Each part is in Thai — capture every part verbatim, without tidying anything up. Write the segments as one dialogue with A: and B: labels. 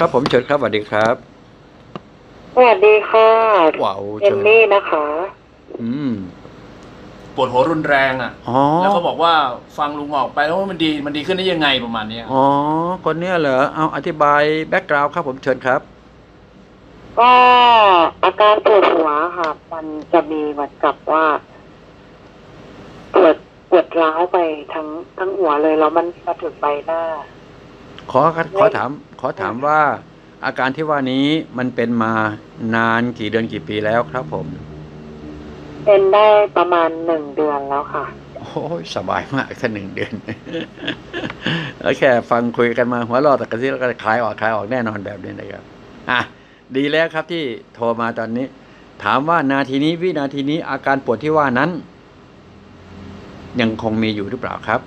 A: ครับผมเชิญครับสวัสดีครับ
B: สวัสดีค่ะ
A: ว้าว
B: เอ
A: เชิญ
B: มมี่นะคะ
A: อืม
C: ปวดหัวรุนแรงอ่ะ
A: อ๋อ
C: แล้วเขาบอกว่าฟังลุงออกไปแล้วมันดีมันดีขึ้นได้ยังไงประมาณเนี้ย
A: อ๋อคนเนี้ยเหรอเอาอธิบายแบ็กกราว n ์ครับผมเชิญครับ
B: ก็อาการปวดหัวค่ะ มันจะมีเหมือนกับว่าปวดปวดร้าวไปทั้งทั้งหัวเลยแล้วมันมาถึงใบหน้า
A: ขอขอถามขอถามว่าอาการที่ว่านี้มันเป็นมานานกี่เดือนกี่ปีแล้วครับผม
B: เป็นได้ประมาณหนึ่งเดือนแล้วค่ะ
A: โอ้ยสบายมากแค่หนึ่งเดือนแล้วแค่ฟังคุยกันมาหัวเราะแต่กระซิบแล้วก็คลายออกคลายออกแน่นอนแบบนี้นะครับอ่ะดีแล้วครับที่โทรมาตอนนี้ ถามว่านาทีนี้วินาทีนี้อาการปวดที่ว่านั้น ยังคงมีอยู่หรือเปล่าครับ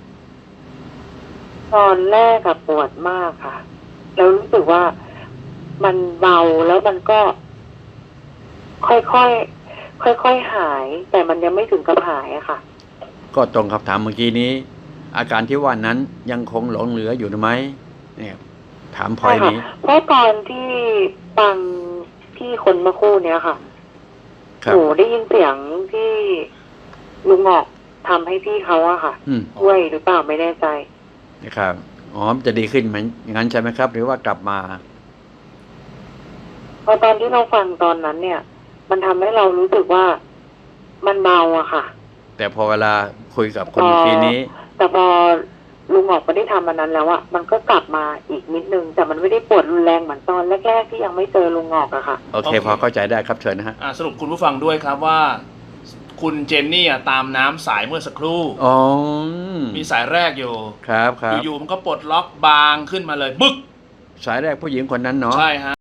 B: ตอนแรกอะปวดมากค่ะ แล้วรู้สึกว่ามันเบาแล้วมันก็ ค่อยๆค่อยๆหาย แต่มันยังไม่ถึงกับหายอะค่ะ
A: ก็ตรงคำถามเมื่อกี้นี้ อาการที่ว่านั้นยังคงหลงเหลืออยู่หรือไม่เนี่ยถามพลอยนี้
B: เพราะตอนที่ฟังพี่คนเมื่อคู่เนี้ยค่ะ
A: ครั
B: ห
A: บ
B: นูได้ยินเสียงที่ลุงหงอกทำให้พี่เขาอะค่ะ
A: อืม
B: ช่วยหรือเปล่าไม่แน่ใจ
A: นะครับอ๋อมันจะดีขึ้นไหมงั้นใช่ไหมครับ หรือว่ากลับมา
B: พอตอนที่เราฟังตอนนั้นเนี่ย มันทำให้เรารู้สึกว่ามันเบาอะค่ะ
A: แต่พอเวลาคุยกับคนเมื่อกี้นี้
B: แต่พอลุงหงอกไม่ได้ทำมันนั้นแล้วอะมันก็กลับมาอีกนิดนึง แต่มันไม่ได้ปวดรุนแรงเหมือนตอนแรกๆที่ยังไม่เจอลุงหงอกอะค่ะ
A: โอเค พอเข้าใจได้ครับเชิญนะฮะ
C: อ่าสรุปคุณผู้ฟังด้วยครับว่า คุณเจนนี่อ่ะตามน้ำสายเมื่อสักครู่
A: อ๋อ
C: มีสายแรกอยู่
A: ครับครับ
C: อยู่ๆมันก็ปลดล็อกบางขึ้นมาเลยบึ๊ก
A: สายแรกผู้หญิงคนนั้นเนาะ
C: ใช่ฮะ